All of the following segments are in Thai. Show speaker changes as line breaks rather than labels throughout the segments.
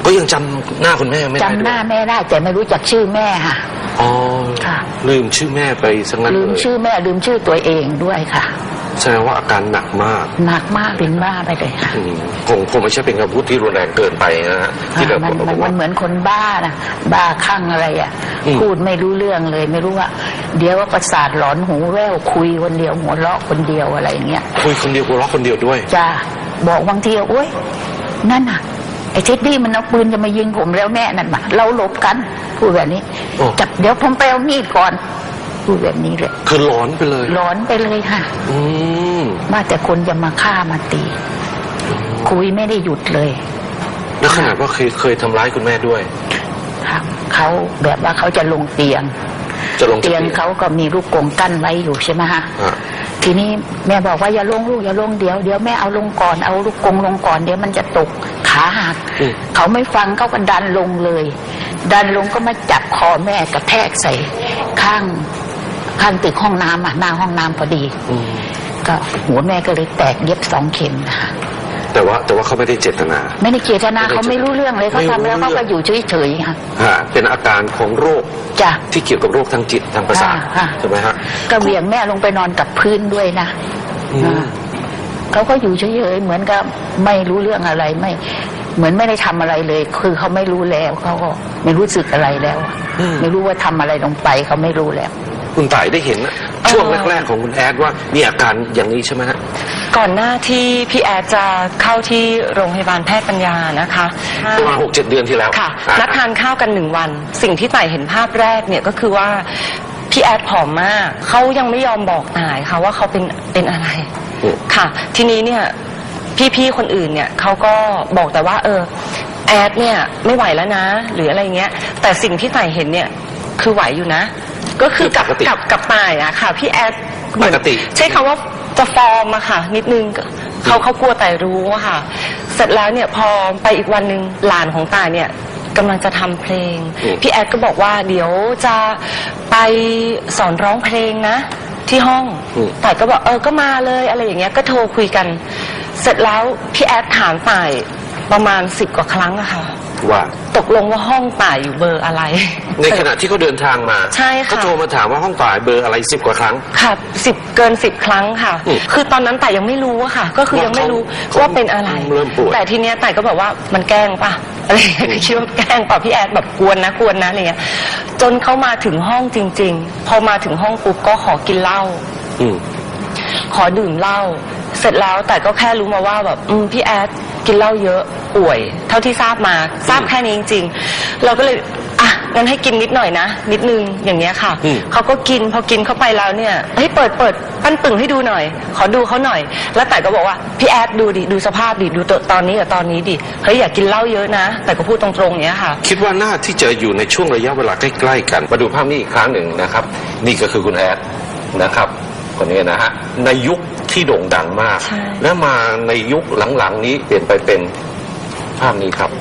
ก็ยังจำหน้าคุณแม่ไม่ได้จ
ำหน้าแม่ได้แต่ไม่รู้จักชื่อแม่ค่ะ
อ๋อ
ค่ะ
ลืมชื่อแม่ไปสักงั้น
ลืมชื่อแม่ลืมชื่อตัวเองด้วยค่ะ
แสดงว่าอาการหนักมาก
เป็นบ้าไปเลยค่ะ
คงไม่ใช่เป็นคำพูดที่รุนแรงเกินไปนะฮะที่เรา
มันเหมือนคนบ้านะบ้าคลั่งอะไรอ่ะพูดไม่รู้เรื่องเลยไม่รู้ว่าเดี๋ยวว่าประสาทหลอนหูแว่วคุยคนเดียวหัวเราะคนเดียวอะไรอย่างเงี้ย
คุยคนเดียวหัวเราะคนเดียวด้วย
จ้าบอกบางทีโอ๊ยนั่นน่ะไอ้เท็ดดี้มันเอาปืนจะมายิงผมแล้วแม่นั่นมาเราหลบกันพูดแบบนี้จับเดี๋ยวผมไปเอามีดก่อนพูดแบบนี้เลย
คือหลอนไปเลย
ค่ะว่าแต่คนจะมาฆ่ามาตีคุยไม่ได้หยุดเลย
แล้วขนาดว่าเคยทำร้ายคุณแม่ด้วย
ครับเขาแบบว่าเขาจะลงเตียงเขาก็มีลูกกรงกั้นไว้อยู่ใช่ไหมฮะทีนี้แม่บอกว่าอย่าลงลูกอย่าลงเดี๋ยวแม่เอาลงก่อนเอาลูกกรงลงก่อนเดี๋ยวมันจะตกขาหักเขาไม่ฟังเขาก็ดันลงเลยดันลงก็มาจับคอแม่กระแทกใส่ข้างตึกห้องน้ำหน้าห้องน้ำพอดีก็หัวแม่ก็เลยแตกเย็บ2 เข็มนะคะ
แต่ว่าเขาไม่ได้เจตนา
เขาไม่รู้เรื่องเลยเขาทำแล้วเขาก็อยู่เฉยๆค่ะ
เป็นอาการของโรคที่เกี่ยวกับโรคทางจิตทางประสาทใช่ไหมฮะ
ก็เหวี่ยงแม่ลงไปนอนกับพื้นด้วยนะเขาก็อยู่เฉยๆเหมือนกับไม่รู้เรื่องอะไรไม่เหมือนไม่ได้ทำอะไรเลยคือเขาไม่รู้แล้วเขาก็ไม่รู้สึกอะไรแล้วไม่รู้ว่าทำอะไรลงไปเขาไม่รู้แล้ว
คุณต่ายได้เห็นช่วงแรกๆของคุณแอดว่ามีอาการอย่างนี้ใช่ไหมฮะ
ก่อนหน้าที่พี่แอดจะเข้าที่โรงพยาบาลแพทย์ปัญญานะคะ
ประมาณ6-7 เดือนที่แล้ว
ค่ะนัดทานข้าวกัน1 วันสิ่งที่ต่ายเห็นภาพแรกเนี่ยก็คือว่าพี่แอดผอมมากเขายังไม่ยอมบอกต่ายค่ะว่าเขาเป็นอะไรค่ะทีนี้เนี่ยพี่ๆคนอื่นเนี่ยเขาก็บอกแต่ว่าแอดเนี่ยไม่ไหวแล้วนะหรืออะไรเงี้ยแต่สิ่งที่ต่ายเห็นเนี่ยคือไหวอยู่นะก็คือกับต่ายอะค่ะพี่แอดเหมือนใช้คำว่าจะฟอร์มอะค่ะนิดนึงเขากลัวต่ายรู้อะค่ะเสร็จแล้วเนี่ยพอไปอีกวันนึงหลานของต่ายเนี่ยกำลังจะทำเพลงพี่แอดก็บอกว่าเดี๋ยวจะไปสอนร้องเพลงนะที่ห้องต่ายก็บอกก็มาเลยอะไรอย่างเงี้ยก็โทรคุยกันเสร็จแล้วพี่แอดถามต่ายประมาณ10 กว่าครั้งอะค่ะ
ว่า
ตกลงว่าห้องต่ายอยู่เบอร์อะไร
ในขณะที่เขาเดินทางมา
ใช่ค่ะ
เขาโทรมาถามว่าห้องต่ายเบอร์อะไร10 กว่าครั้ง
ค่ะเกิน10 ครั้งค่ะคือตอนนั้นต่ายยังไม่รู้อะค่ะก็คือยังไม่รู้ว่าเป็นอะไรแต่ทีเนี้ยต่ายก็บอกว่ามันแกล้งป่ะอะไรคิดว่าแกล้งป่ะพี่แอดแบบกวนนะอะไรเงี้ยจนเขามาถึงห้องจริงๆพอมาถึงห้องปุ๊บก็ขอกินเหล้าขอดื่มเหล้าเสร็จแล้วแต่ก็แค่รู้มาว่าแบบพี่แอดกินเหล้าเยอะป่วยเท่าที่ทราบแค่นี้จริงๆเราก็เลยงั้นให้กินนิดหน่อยนะนิดนึงอย่างเงี้ยค่ะเขาก็กินพอกินเข้าไปแล้วเนี่ยเฮ้ยเปิดปั้นปึ่งให้ดูหน่อยขอดูเขาหน่อยแล้วแต่ก็บอกว่าพี่แอดดูดิดูสภาพดิดูตอนนี้กับตอนนี้ดิเฮ้ยอย่ากินเหล้าเยอะนะแต่ก็พูดตรงๆเนี้ยค่ะ
คิดว่าน่าที่จะอยู่ในช่วงระยะเวลาใกล้ๆกันมาดูภาพนี้อีกครั้งหนึ่งนะครับนี่ก็คือคุณแอดนะครับคนนี้นะฮะในยุคที่โด่งดังมากและมาในยุคหลังๆนี้เปลี่ยนไปเป็นภาพนี้ครับ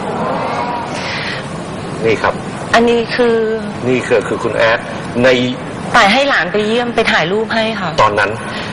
นี่ครับ
อันนี้คือ
คุณแอดใน
ต่ายให้หลานไปเยี่ยมไปถ่ายรูปให้ค่ะ
ตอนนั้น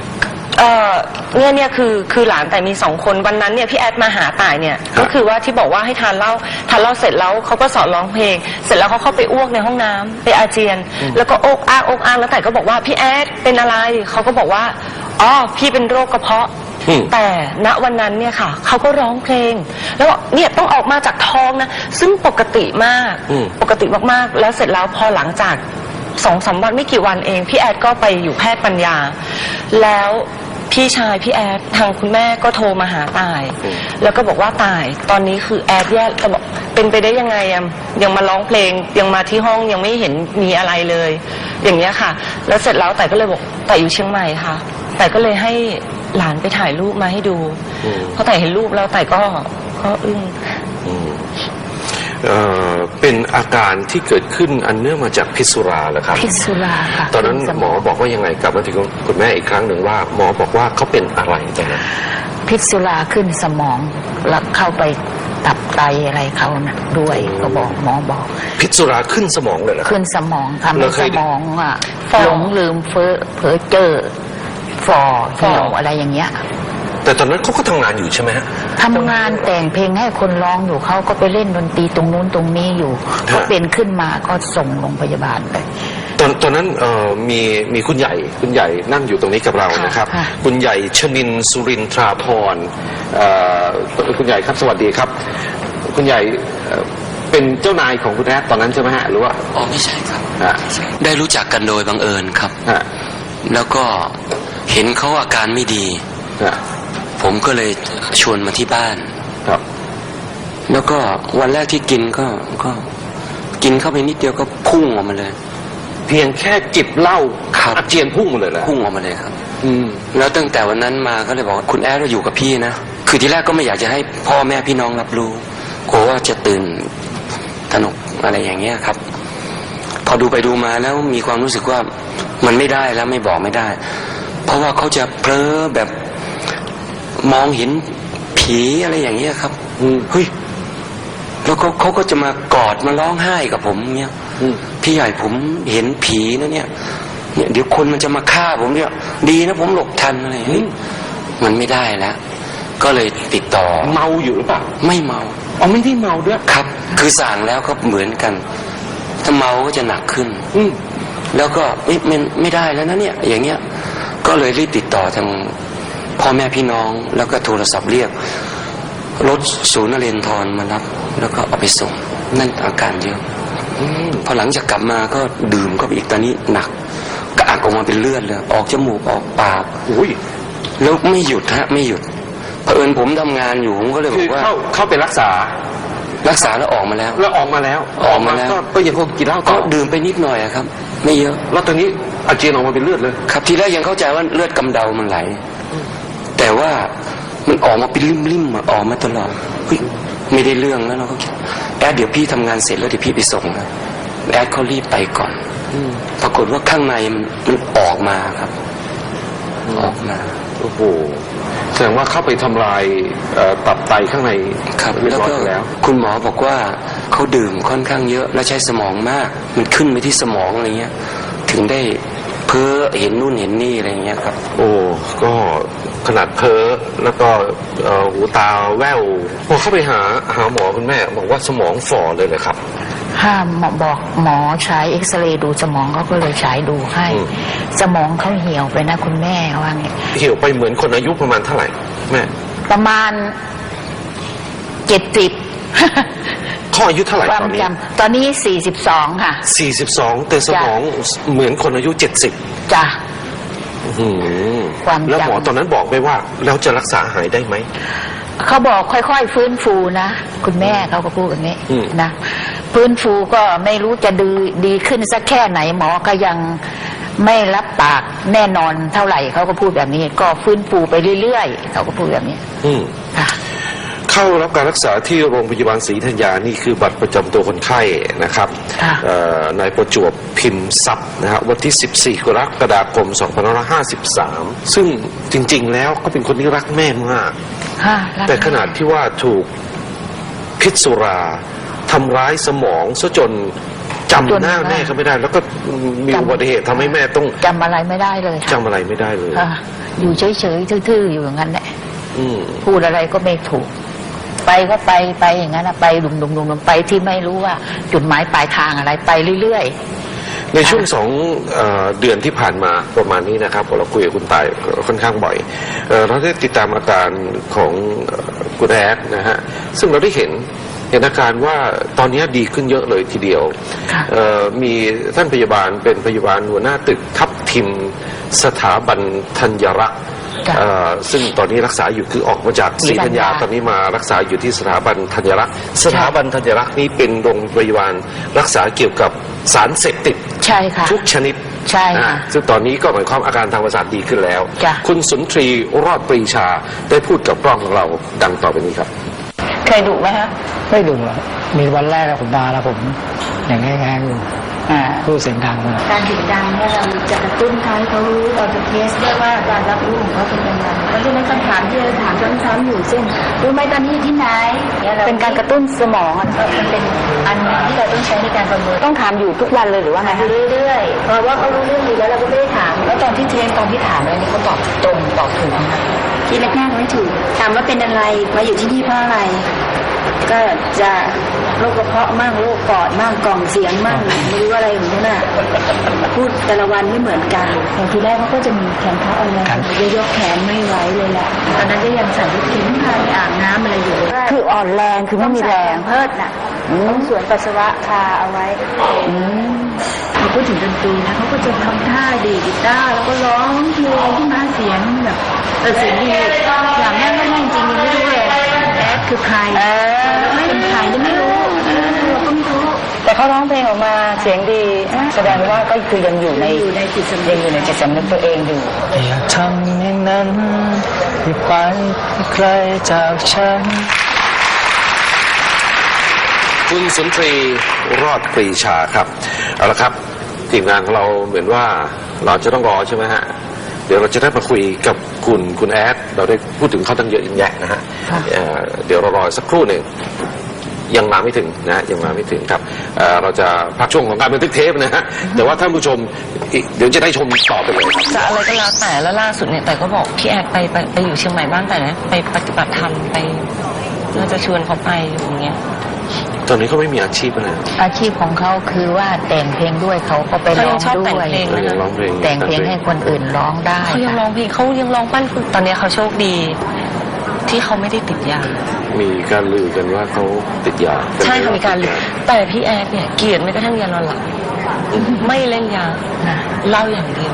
เนี่ยคือหลานแต่มี2 คนวันนั้นเนี่ยพี่แอดมาหาต่ายเนี่ยก็คือว่าที่บอกว่าให้ทานเหล้าเสร็จแล้วเขาก็สอนร้องเพลงเสร็จแล้วเขาเข้าไปอ้วกในห้องน้ำไปอาเจียนแล้วก็อกอ้างแล้วต่ายก็บอกว่าพี่แอดเป็นอะไรเขาก็บอกว่าพี่เป็นโรคกระเพาะแต่ณวันนั้นเนี่ยค่ะเขาก็ร้องเพลงแล้วเนี่ยต้องออกมาจากท้องนะซึ่งปกติมากแล้วเสร็จแล้วพอหลังจาก2-3 วันไม่กี่วันเองพี่แอดก็ไปอยู่แพทย์ปัญญาแล้วพี่ชายพี่แอดทางคุณแม่ก็โทรมาหาต่ายแล้วก็บอกว่าต่ายตอนนี้คือแอดแย่แต่บอกเป็นไปได้ยังไงยังมาร้องเพลงยังมาที่ห้องยังไม่เห็นมีอะไรเลยอย่างเงี้ยค่ะแล้วเสร็จแล้วต่ายก็เลยบอกต่ายอยู่เชียงใหม่ค่ะต่ายก็เลยให้หลานไปถ่ายรูปมาให้ดูพอต่ายเห็นรูปแล้วต่ายก็อึ้ง
เป็นอาการที่เกิดขึ้นอันเนื่องมาจากพิษสุราเหรอครับ
พิษสุราค่ะ
ตอนนั้นหมอบอกว่ายังไงกลับมาถึงคุณแม่อีกครั้งหนึ่งว่าหมอบอกว่าเขาเป็นอะไรตอนนั้น
พิษสุราขึ้นสมองแล้วเข้าไปตับไตอะไรเขานะด้วยก็บอกหมอบอก
พิษสุราขึ้นสมองเลยเหรอ
ขึ้นสมองทำให้สมองหลงลืมเพ้อเจ้อฝ่อเหี่ยวอะไรอย่างเงี้ย
แต่ตอนนั้นเขาก็ทำงานอยู่ใช่ไหมฮะ
ทำงานแต่งเพลงให้คนร้องอยู่เขาก็ไปเล่นดนตรีตรงนู้นตรงนี้อยู่ก็เป็นขึ้นมาก็ส่งโรงพยาบาลไป
ตอนนั้นมีคุณใหญ่นั่งอยู่ตรงนี้กับเรานะครับคุณใหญ่ชนินทร์สุรินทราพรคุณใหญ่ครับสวัสดีครับคุณใหญ่เป็นเจ้านายของคุณแอดตอนนั้นใช่ไหมฮะหรือว่า
อ๋อไม่ใช่ครับได้รู้จักกันโดยบังเอิญครับแล้วก็เห็นเขาอาการไม่ดีผมก็เลยชวนมาที่บ้าน
ครับ
แล้วก็วันแรกที่กินก็กินเข้าไปนิดเดียวก็พุ่งออกมาเลย
เพียงแค่จิบเหล้าอาเจียนพุ่งมาเลยเหรอ
พุ่งออกมาเลยครับแล้วตั้งแต่วันนั้นมาก็เลยบอกว่าคุณแอดเราอยู่กับพี่นะคือที่แรกก็ไม่อยากจะให้พ่อแม่พี่น้องรับรู้กลัวว่าจะตื่นตระหนกอะไรอย่างเงี้ยครับพอดูไปดูมาแล้วมีความรู้สึกว่ามันไม่ได้แล้วไม่บอกไม่ได้เพราะว่าเขาจะเพ้อแบบมองเห็นผีอะไรอย่างเงี้ยครับเฮ้ยแล้วเขาก็จะมากอดมาร้องไห้กับผมเงี้ยพี่ใหญ่ผมเห็นผีนะเนี่ยเดี๋ยวคนมันจะมาฆ่าผมเนี่ยดีนะผมหลบทันอะไรอย่างนี้มันไม่ได้แล้วก็เลยติดต่อ
เมาอยู่หรือเปล่า
ไม่เมา
อ๋อไม่ได้เมาด้วย
ครับคือสั่งแล้วก็เหมือนกันถ้าเมาก็จะหนักขึ้นแล้วก็ไม่ได้แล้วนะเนี่ยอย่างเงี้ยก็เลยรีบติดต่อทางพ่อแม่พี่น้องแล้วก็โทรศัพท์เรียกรถศูนย์นเรนทรมารับแล้วก็เอาไปส่งนั่นอาการเยอะพอหลังจากกลับมาก็ดื่มก็ไปอีกตอนนี้หนักกระอักออกมาเป็นเลือดเลยออกจมูกออกปากแล้วไม่หยุดฮะไม่หยุดเผอิญผมทำงานอยู่ผมก็เลยบอกว่า
เข้าไปรักษา
แล้วออกมาแล้ว
ก็ยังคงกินเหล้า
ก็ดื่มไปนิดหน่อยครับไม่เยอะ
แล้วตอนนี้อาเจียนออกมาเป็นเลือดเลย
ครับทีแรกยังเข้าใจว่าเลือดกำเดามันไหลแต่ว่ามันออกมาเป็นริ่มๆออกมาตลอดไม่ได้เรื่องแล้วเราก็คิดแอดเดี๋ยวพี่ทำงานเสร็จแล้วเดี๋ยวพี่ไปส่งนะแอดเขารีบไปก่อนปรากฏว่าข้างในมันออกมาครับออกมา
โอ้โหแสดงว่าเข้าไปทำลายตับไตข้างใน
ครับแล้วก็คุณหมอบอกว่าเขาดื่มค่อนข้างเยอะและใช้สมองมากมันขึ้นไปที่สมองอะไรเงี้ยถึงได้เพ้อเห็นนู่นเห็นนี่อะไรเงี้ยครับ
โอ้ก็ขนาดเพ้อแล้วก็หูตาแว่วพอเข้าไปหาหมอคุณแม่บอกว่าสมองฝ่อเลยเลยครับ
บอกหมอใช้เอ็กซเรย์ดูสมองเขาก็เลยฉายดูให้สมองเขาเหี่ยวไปนะคุณแม่ว่าไง
เหี่ยวไปเหมือนคนอายุประมาณเท่าไหร่แม่
ประมาณ70
เขาอายุเท่าไหร่
ตอนนี้42ค่ะ
42แต่สมองเหมือนคนอายุ70
จ้ะ
แล้วหมอตอนนั้นบอกไปว่าแล้วจะรักษาหายได้ไหม
เขาบอกค่อยๆฟื้นฟูนะคุณแม่เขาก็พูดแบบนี้นะฟื้นฟูก็ไม่รู้จะดีขึ้นสักแค่ไหนหมอก็ยังไม่รับปากแน่นอนเท่าไหร่เขาก็พูดแบบนี้ก็ฟื้นฟูไปเรื่อยๆเขาก็พูดแบบนี้
เข้ารับการรักษาที่โรงพยาบาลศรีธัญญานี่คือบัตรประจำตัวคนไข้นะครับนายประจวบพิมพ์ทรัพย์นะฮะวันที่14กรกฎาคม2553ซึ่งจริงๆแล้วก็เป็นคนที่รักแม่มากแต่ขนาดที่ว่าถูกพิษสุราทำร้ายสมองซะจนจำหน้าแม่เขาไม่ได้แล้วก็มีอุบัติเหตุทำให้แม่ต้อง
จำอะไรไม่ได้เลย
จำอะไรไม่ได้เลย
อยู่เฉยๆทื่อๆอยู่อย่างนั้นแหละพูดอะไรก็ไม่ถูกไปก็ไปอย่างนั้นไปดุมๆไปที่ไม่รู้ว่าจุดหมายปลายทางอะไรไปเรื่อย
ๆในช่วง2 เดือนที่ผ่านมาประมาณนี้นะครับเราคุยกับคุณตายค่อนข้างบ่อยเราได้ติดตามอาการของคุณแอดนะฮะซึ่งเราได้เห็นอาการว่าตอนนี้ดีขึ้นเยอะเลยทีเดียวมีท่านพยาบาลเป็นพยาบาลหัวหน้าตึกทับทิมสถาบันธัญรักษ์ซึ่งตอนนี้รักษาอยู่คือออกมาจากศรีธัญญาตอนนี้มารักษาอยู่ที่สถาบันธัญรักษ์สถาบันธัญรักษ์นี้เป็นโรงพยาบาลรักษาเกี่ยวกับสารเสพติด
ใช่ค่ะ
ทุกชนิด
ใช่ค่ะ
ซึ่งตอนนี้ก็หมายความอาการทางประสาทดีขึ้นแล้วคุณสุนทรีรอดปรีชาได้พูดกับกล้องของเราดังต่อไปนี้ครับ
เคยดุไหมฮะ
ไม่ดุหรอกมีวันแรกผมมาแล้วผมอย่างแง่ๆอยู่พูดเสียงดังเลย
การเสียงดังเนี่ยเราจะกระตุ้นเขาให้เขารู้เราจะเทสด้วยว่าการรับรู้ของเขาเป็นยังไงเพราะฉะนั้นคำถามที่เราถามซ้ำๆอยู่เช่นรู้ไหมตอนนี้อยู่ที่ไหนเป็นการกระตุ้นสมองมันเป็นอันที่เราต้องใช้ในการประเมินต้องถามอยู่ทุกวันเลยหรือว่าไงเรื่อยๆเพราะว่าเขารู้เรื่องดีแล้วเราก็ไม่ได้ถามแล้วตอนที่เทสตอนที่ถามอะไรนี่เขาตอบตรงตอบถูก
คิดแรกๆไม่ถูกถามว่าเป็นอะไรมาอยู่ที่นี่เพราะอะไร ก็จะโรคกระเพาะมั่งโรคปอดมั่งกล่องเสียงมั่งไม่รู้อะไรอย่างนี้น่ะพูดแต่ละวันไม่เหมือนกันอย่างทีแรกเขาก็จะมีแขนขาอ่อนแรงยกแขนไม่ไหวเลยแหละตอนนั้นก็ยังใส่ลูกชิ้นพาไปอาบน้ำอะไรอยู่คืออ่อนแรงคือไม่มีแรงเพิดน่ะต้องสวนปัสสาวะคาเอาไว้พอพูดถึงดนตรีนะเขาก็จะทำท่าดีดกีตาร์แล้วก็ร้องเพลงขึ้นมาเสียงแบบเสียงดีอย่างแม่ไม่ได้จริงๆไม่รู้เลยแอดคือใครไม่เป็นใครยังไม่รู้เราก็ไม่รู้
แต่เขาร้องเพลงออกมาเสียงดีแสดงว่าก็คือยังอยู่ในจิตสำนึกยังอยู่ในจิตสำนึกตัวเองอยู่
อยากทำอย่างนั้นอย่าไปไกลจากฉัน
คุณสุนทรีรอดปรีชาครับเอาละครับทีมงานของเราเหมือนว่าเราจะต้องรอใช่ไหมฮะเดี๋ยวเราจะได้มาคุยกับคุณแอดเราได้พูดถึงเขาตั้งเยอะแยะนะฮะเดี๋ยวเรารอสักครู่หนึ่งยังมาไม่ถึงนะยังมาไม่ถึงครับเราจะพักช่วงของการบันทึกเทปนะฮะแต่ว่าท่านผู้ชมเดี๋ยวจะได้ชมต่อไปเลยครับ
จะอะไรก็แล้วแต่แล้วล่าสุดเนี่ยแต่ก็บอกพี่แอดไปอยู่เชียงใหม่บ้านแต่นะไปปฏิบัติธรรมไปเราจะชวนเขาไปอย่างเงี้ย
ตอนนี้เขาไม่มีอาชีพอะไร
อาชีพของเขาคือว่าแต่งเพลงด้วยเขาก็ไปร้อง
ชอบ
ด้
แต่ง
วย
เพลง
เขายังร้องเพลง
แต่งเพลงให้คนอื่นร้องได้
เขายังร้องเพลงเขายังร้องปั้นคุณตอนนี้เขาโชคดีที่เขาไม่ได้ติดยา
มีการลือกันว่าเขาติดยา
ใช่ค่ะมีการแต่พี่แอดเนี่ยเกลียดไม่กระทั่งยานอนหลับไม่เล่นยาเหล้าอย่างเดียว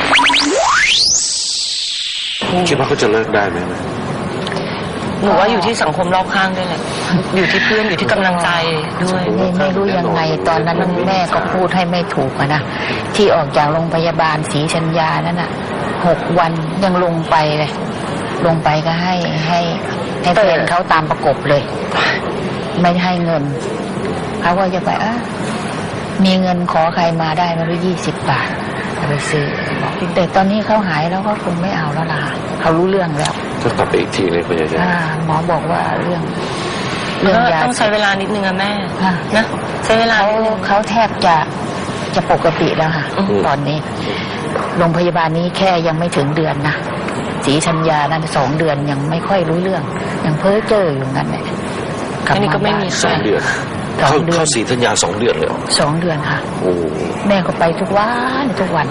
คิดว่าเขาจะเลิกได้ไหม
หนูว่าอยู่ที่สังคมรอบข้างด้วยแหละอยู่ที่เพื่อนอยู่ที่กำลังใจด้วย
ไม่รู้ยังไงตอนนั้นแม่ก็พูดให้ไม่ถูกอะนะที่ออกจากโรงพยาบาลศรีชัญญานั่นน่ะ6 วันยังลงไปเลยลงไปก็ให้แฟนเขาตามประกบเลย ไม่ให้เงินเขาก็จะไปมีเงินขอใครมาได้ไม่รู้20 บาทเอาไปซื้อบอกแต่ตอนนี้เขาหายแล้วก็คงไม่เอาแล้วล่ะเขารู้เรื่องแล้ว
ก็กลับไปอีกทีเลยคุณยาย
หมอบอกว่าเรื่องยา
ต้องใช้เวลานิดนึงอะแม่
ค่ะ
นะใช้เวลานิดนึง
เขาแทบจะปกติแล้วค่ะ ตอนนี้โรงพยาบาลนี้แค่ยังไม่ถึงเดือนนะศรีชัญญานั้น2 เดือนยังไม่ค่อยรู้เรื่องยังเพ้อเจ้ออยู่งั้นแหละกลับ
อันนี้ก็ไม่มี
2 เดือนเข้าศรีธัญญา2 เดือนเลย
2 เดือนค่ะ
โอ้
แม่ก็ไปทุกวัน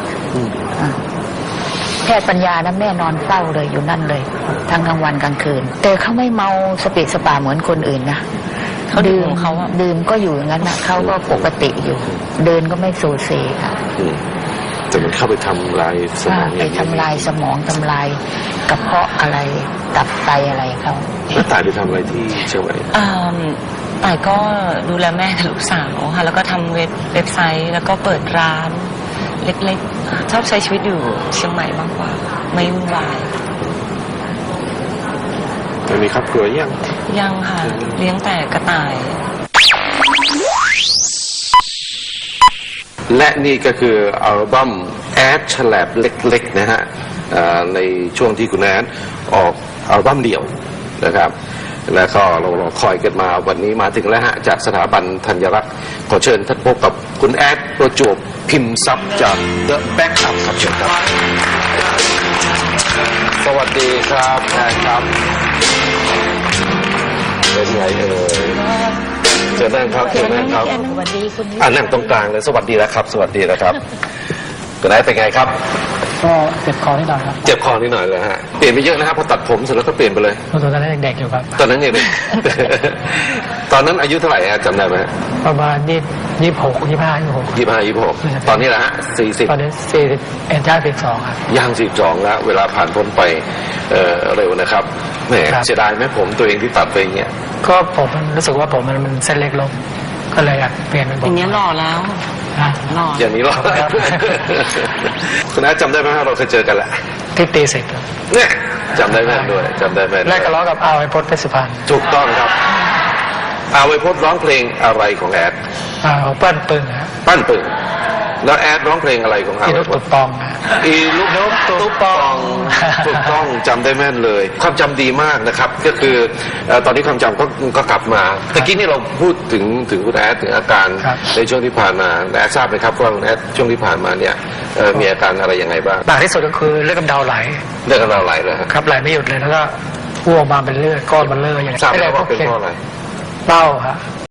แพทย์ปัญญานะแม่นอนเฝ้าเลยอยู่นั่นเลยทั้งกลางวันกลางคืนแต่เขาไม่เมาสเปะสปาเหมือนคนอื่นนะ
เขาดื่มของเขาอะ
ดื่มก็อยู่อย่างนั้นนะเขาก็ปกติอยู่ เดินก็ไม่โซเซค่ะ
แต่มันเข้าไปทำลายสมอง
ไปทำลายสมองทำลายกระเพาะอะไรตับไตอะไรเขา
แล้วตายไปทำอะไรที่เชียงใหม่
ต่ายก็ดูแลแม่กับลูกสาวค่ะแล้วก็ทำเว็บไซต์แล้วก็เปิดร้านเล็กๆชอบใช้ชีวิตอยู่เชียงใหม่มากกว่าไม่วุ่นวาย
แต่มีครอบครัว
ยังค่ะเลี้ยงแต่กระต่าย
และนี่ก็คืออัลบั้มแอดฉลบเล็กๆนะฮะในช่วงที่คุณแอดออกอัลบั้มเดี่ยวนะครับแล้วก็เราคอยกันมาวันนี้มาถึงแล้วฮะจากสถาบันธัญรักษ์ขอเชิญท่านพบกับคุณแอดประจวบพิมพ์ทรัพย์จาก The Backup ครับเชิญครับสวัสดีครับแอดครับเป็นไงเชิญนั่งครับเชิญนั่งครับ
สวัสดีคุณ
นั่งตรงกลางเลยสวัสดีแล้วครับสวัสดีนะครับคุณแอดเป็นไงครับ
ก็เจ็บคอนิดหน่อยครับ
เจ็บคอนิดหน่อยเลยฮะเปลี่ยนไปเยอะนะครับพอตัดผมเสร็จแล้วก็เปลี่ยนไปเลย
ตอนนั้นเด็กๆอยู่ครับ
ตอนนั้นยังเด็ก ตอนนั้นอายุเท่าไหร่ฮะจำได้ไหม
ประมาณ26
25 26ตอนนี้แหละฮะ
ตอนนี้40เอ็นจ้า42ครับ
40ย่าง42แล้วเวลาผ่านพ้นไปเร็วนะครับแหม
ครับ
เสียดายไหมผมตัวเองที่ตัดไปอย่างเงี้ย
ก็ผมรู้สึกว่าผมมันเส้นเล็กลงก็เลยอยากเปลี่ยนเป็นผม
อย่างนี้ยหล่อแล้ว
นะ
หล่อ
อย่างนี้หรอ
ครับ
คุณอาจำได้ไหมฮะเราเคยเจอกันแหละ
ที่ตีสิบครับ
เนี่ยจำได้แม่นด้วยจำได้แม่นด้วย
แรกก็ล้อกับเอาไอ้พจน์เพชรสุพรรณ
ถูกต้องครับเอาไว้พจน์ร้องเพลงอะไรของแอด
ของเปิ้ลปึงครับ
ปั้นปึงแล้วแอดร้องเพลงอะไรของเขา
อีลูกตุ๊บปองนะ
อีลูกนกตุ๊บปองถูกต้องจำได้แม่นเลย ความจำดีมากนะครับ ก็คือตอนนี้ความจำก็กลับมาตะกี้นี่เราพูดถึงคุณแอดถึงอาการในช่วงที่ผ่านมาแอดทราบไหมครับว่าคุณแอดช่วงที่ผ่านมาเนี่ยมีอาการอะไรยังไงบ้าง
หนักที่สุดก็คือเลือดกำเดาไหล
เลือดกำเดาไหลเลยครับ
ครับไหลไม่หยุดเลยแล้วก็อ้วกมาเป็นเลือดก้อนมันเลือดอย่าง
ทราบไหมว่าเป็นเพราะอะไร
เต้าฮะ